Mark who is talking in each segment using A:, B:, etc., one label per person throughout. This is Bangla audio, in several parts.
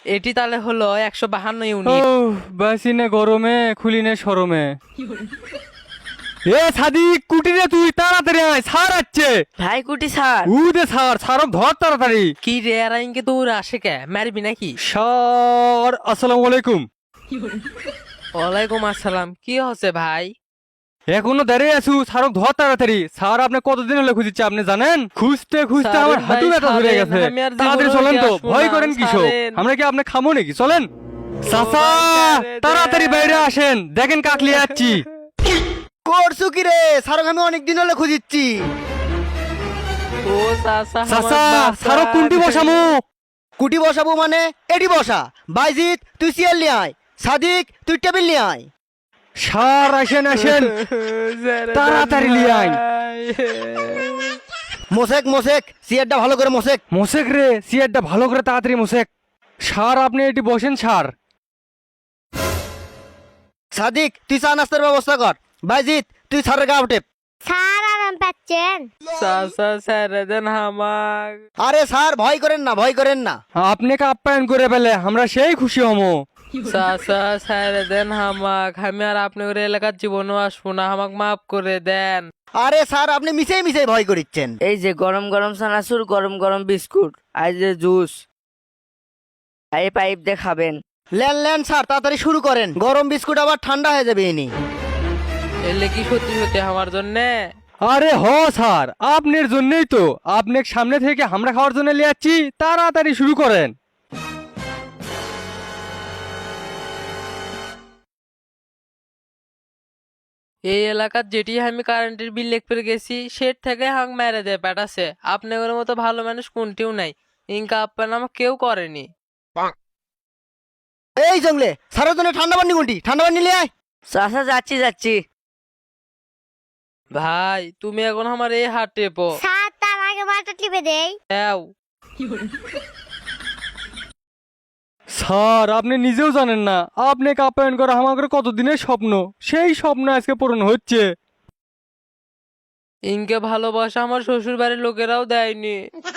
A: এটি তাহলে হলো 152
B: ও
A: ইউনিট।
B: বাসিনে গরমে খুলিনে সরমে। এ সাদিক কুটিরে তুই তাড়াতাড়ি আয়, সার আসছে।
C: ভাই কুটি স্যার।
B: উদে সার, সারক ধর তাড়াতাড়ি।
A: কি রে আর ইনকে দৌড় আসে কে, মারবি নাকি?
B: সার আসসালামু আলাইকুম।
A: ওয়ালাইকুম আসসালাম। কি হচ্ছে ভাই?
B: এখনো দাঁড়িয়ে আছু, সারক ধর তাড়াতাড়ি। স্যার আপনি কতদিন হলো খুঁজছে আপনি জানেন? খুঁজতে খুঁজতে
A: সারেন
B: আমার হাঁটু
A: ভাই,
B: ব্যথা ধরে
A: সারেন,
B: গেছে।
A: আমি আর
B: তাড়াতাড়ি
A: জীবনেও
B: চলেন
A: উঠে
B: তো,
A: আসবো
B: ভয়
A: না,
B: করেন কিসব?
A: সারেন।
B: আমরা কি আপনি খামো নাকি? চলেন চাচা,
A: সারে দে।
B: তাড়াতাড়ি বাইরে আসেন, দেখেন কাকলি যাচ্ছি।
D: করছু কি রে? সারক আমি অনেক দিন হলে খুঁজিচ্ছি।
A: ও চাচা,
B: চাচা
A: আমার
B: সারক কুন্টি বসামু।
D: কুটি বসাবো মানে এটি বসা। বাইজিৎ তুই চেয়ার নিয়ে আয়, সাদিক তুই টেবিল নিয়ে আয়।
B: সার আসেন আসেন, তাড়াতাড়ি লিয়ে আয়।
D: মোশেক মোশেক চেয়ারটা ভালো করে মোশেক।
B: মোশেক রে, সিয়ারটা ভালো করে তাড়াতাড়ি মোশেক। সার আপনি এটি বসেন সার।
D: সাদিক তুই চা নাস্তার ব্যবস্থা কর। বাইজিৎ তুই সারের গা উঠে।
E: স্যার আরাম পাচ্ছেন?
A: চাচা ছেড়ে দেন হামাক।
D: আরে স্যার ভয় করেন না, ভয় করেন না।
B: আপনাকে আপ্যায়ন করে পেলে আমরা সেই খুশি হমো।
A: চাচা ছেড়ে দেন হামাক, আমি আর আপনার এলাকার জীবনও আসবো না, হামাক মাফ করে দেন।
D: আরে স্যার আপনি মিশাই মিশাই ভয় করিচ্ছেন।
C: এই যে গরম গরম চানাচুর, গরম গরম বিস্কুট, আর যে জুস, এই পাইপ দিয়ে খাবেন।
D: লেন লেন স্যার তাড়াতাড়ি শুরু করেন, গরম বিস্কুট আবার ঠান্ডা হয়ে যাবে ইনি।
A: এলে কি সত্যি সত্যি আমার জন্যে?
B: আরে হ স্যার, আপনার জন্যই তো। আপনাকে সামনে থেকে আমরা খাওয়ার জন্য নিয়ে যাচ্ছি, তাড়াতাড়ি শুরু করেন।
A: এই এলাকার যেটি আমি কারেন্টের বিল লেখতে গেছি সেট থেকে হাঁক মেরে দেয় পেটাছে। আপনাদের মতো ভালো মানুষ কোনটিও নাই, ইনকা আপ্যায়ন আমাকে কেউ করেনি।
D: এই জঙ্গলে স্যারের জন্য ঠান্ডা পানি কোনটি? ঠান্ডা পানি নিয়ে আয়।
C: চাচা যাচ্ছি যাচ্ছি।
A: ভাই তুমি এখন আমার এই হাত টেপো।
E: স্যার তার আগে মাথা টিপে দেই।
A: দাও।
B: স্যার আপনি নিজেও জানেন না, আপনাকে আপ্যায়ন করা আমাদের কতদিনের স্বপ্ন, সেই স্বপ্ন আজকে পূরণ হচ্ছে।
A: ইনকে ভালোবাসা আমার শ্বশুর বাড়ির লোকেরাও দেয়নি।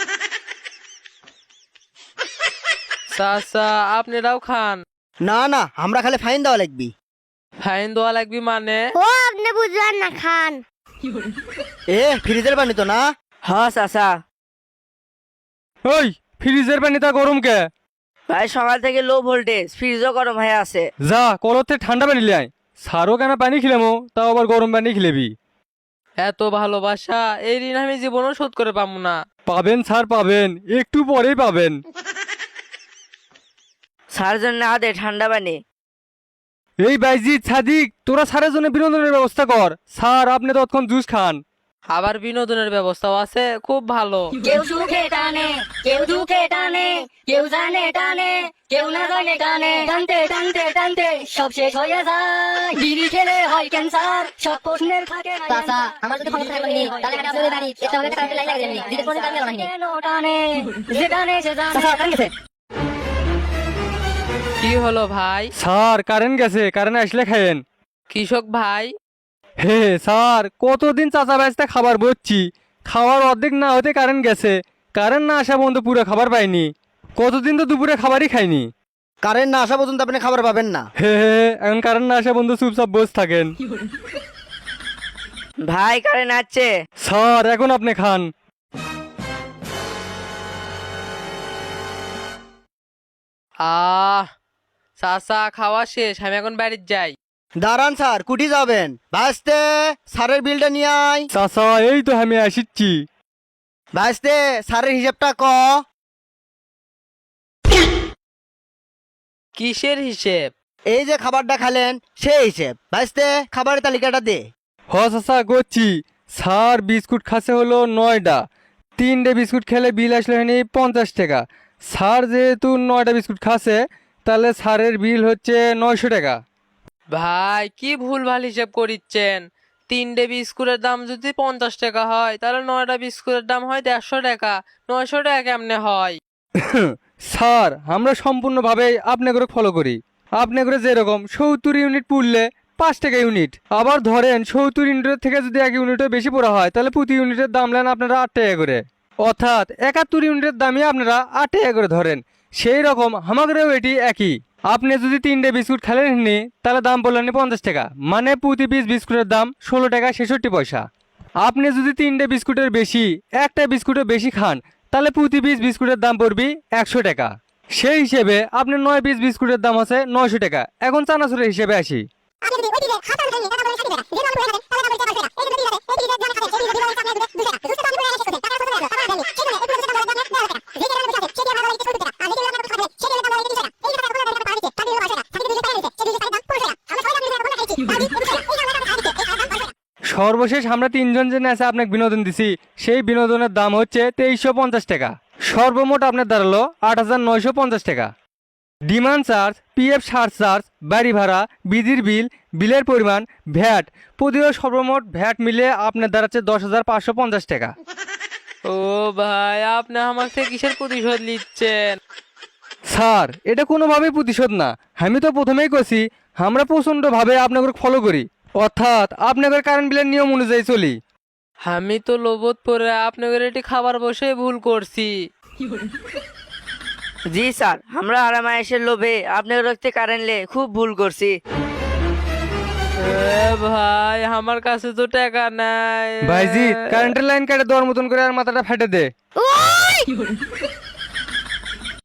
A: চাচা আপনারাও খান।
D: না না আমরা খালি ফাইন দেওয়া লাগবি।
A: ফাইন দেওয়া লাগবে মানে?
E: ও আপনি বুঝলেন না, খান।
D: এ ফ্রিজের পানি তো না?
C: হ চাচা।
B: ওই ফ্রিজের পানিটা গরম কে?
C: ভাই সকাল থেকে লো ভোল্টেজ, ফ্রিজও গরম হয়ে আছে।
B: যা কলতে ঠান্ডা পানি লিয়ে আয়। স্যারও কেন পানি খিলামো, তাও আবার গরম পানি খিলেবি?
A: এত ভালোবাসা এই ঋণ আমি জীবনও শোধ করে পাবো না।
B: পাবেন স্যার পাবেন, একটু পরেই পাবেন।
C: স্যার জন্য হাতে ঠান্ডা পানি।
B: এই বাইজিৎ সাদিক, তোরা স্যারের জন্য বিনোদনের ব্যবস্থা কর। স্যার আপনি তৎক্ষণ জুস খান।
A: আবার বিনোদনের ব্যবস্থাও আছে, খুব ভালো।
F: কেউ সুখে টানে, কেউ দুঃখে টানে, কেউ জানে টানে, কেউ না জানে টানে, টানতে টানতে টানতে সব শেষ হয়ে যায়। বিড়ি খেলে হয় ক্যান্সার, সব প্রশ্নের থাকে চাচা। আমার যদি ক্ষমতা থাকলে তাহলে আমি আপনাদের বাড়ি এটা হলে কারেন্ট লাইন লাগিয়ে দিতে কোন কারণে লাগাইনি। কেন টানে, যে টানে সে জানে। চাচা টান গেছে।
A: কি হলো ভাই?
B: স্যার কারেন্ট গেছে, কারেন্ট আসলে খায়েন।
A: কৃষক ভাই,
B: হে স্যার, কতদিন চাচা ব্যস্ত খাবার বলছি, খাওয়ার অর্ধেক না হতে কারেন্ট গেছে। কারেন্ট না আসা পর্যন্ত পুরো খাবার পাইনি। কতদিন তো দুপুরে খাবারই খাইনি।
D: কারেন্ট না আসা পর্যন্ত আপনি খাবার পাবেন না।
B: হে এখন কারেন্ট না আসা পর্যন্ত চুপচাপ বসে থাকেন।
C: ভাই কারেন্ট আসছে।
B: স্যার এখন আপনি খান।
A: চাচা খাওয়া শেষ, আমি এখন বাড়ির যাই।
D: দাঁড়ান স্যার, কুটি যাবেন? ভাইস্তে স্যারের বিলটা নিয়ে আয়।
B: চাচা এই তো আমি আসিচ্ছি।
D: ভাইস্তে স্যারের হিসাবটা ক।
A: কিসের হিসেব?
D: এই যে খাবারটা খেলেন সেই হিসেব। ভাইস্তে খাবারের তালিকাটা দে।
B: হ চাচা করছি। স্যার বিস্কুট খাসে হলো 9টা, 3টে বিস্কুট খেলে বিল আসলে হয়নি 50 টাকা। স্যার যেহেতু 9টা বিস্কুট খাসে, তাহলে স্যারের বিল হচ্ছে 900 টাকা।
A: ভাই কি ভুল ভাল হিসেব করিচ্ছেন? 3টে বিস্কুটের দাম যদি 50 টাকা হয় তাহলে 9টা বিস্কুটের দাম হয় 150 টাকা। 900 টাকা কেমনে হয়?
B: স্যার আমরা সম্পূর্ণভাবে আপনি করে ফলো করি। আপনি করে যেরকম 70 ইউনিট পুড়লে 5 টাকা ইউনিট। আবার ধরেন 70 ইউনিটের থেকে যদি 1 ইউনিটও বেশি পড়া হয়, তাহলে প্রতি ইউনিটের দাম নেন আপনারা 8 টাকা করে। অর্থাৎ 71 ইউনিটের দামই আপনারা 8 টাকা করে ধরেন। সেই রকম আমাদেরও এটি একই। আপনি যদি 3টে বিস্কুট খেলেন নি তাহলে দাম বললেন 50 টাকা, মানে প্রতি পিস বিস্কুটের দাম 16 টাকা 66 পয়সা। আপনি যদি 3টে বিস্কুটের বেশি একটা বিস্কুটের বেশি খান তাহলে প্রতি পিস বিস্কুটের দাম পড়বে 100 টাকা। সেই হিসেবে আপনার 9 পিস বিস্কুটের দাম আছে 900 টাকা। এখন চানাচুরের হিসেবে আসি। সর্বশেষ আমরা 3জন জেনে আছে আপনাকে বিনোদন দিছি, সেই বিনোদনের দাম হচ্ছে 2350 টাকা। সর্বমোট আপনার দাঁড়ালো 8950 টাকা। ডিমান্ড চার্জ, পিএফ চার্জ, বাড়ি ভাড়া, বিদ্যুৎ বিল, বিলের পরিমাণ, ভ্যাট প্রতিও সর্বমোট ভ্যাট মিলে আপনার দাঁড়াচ্ছে 10,550 টাকা।
A: ও ভাই, আপনি আমার থেকে কিসের প্রতিশোধ নিচ্ছেন?
B: স্যার এটা কোনোভাবেই প্রতিশোধ না, আমি তো প্রথমেই কছি আমরা প্রচণ্ডভাবে আপনাকে ফলো করি, অর্থাৎ আপনাদের কারেন্ট বিলের নিয়ম অনুযায়ী চলি।
A: আমি তো লোভত পরে আপনাদের এটি খাবার বসে ভুল করছি।
C: জি স্যার, আমরা আরামায়েশের লোভে আপনার রক্তে কারেন্টলে খুব ভুল করছি।
A: এ ভাই, আমার কাছে তো টাকা নাই।
B: ভাইজি কারেন্টের লাইন কেটে দেওয়ার মতন করে আর মাথাটা ফেটে দে।
E: ওই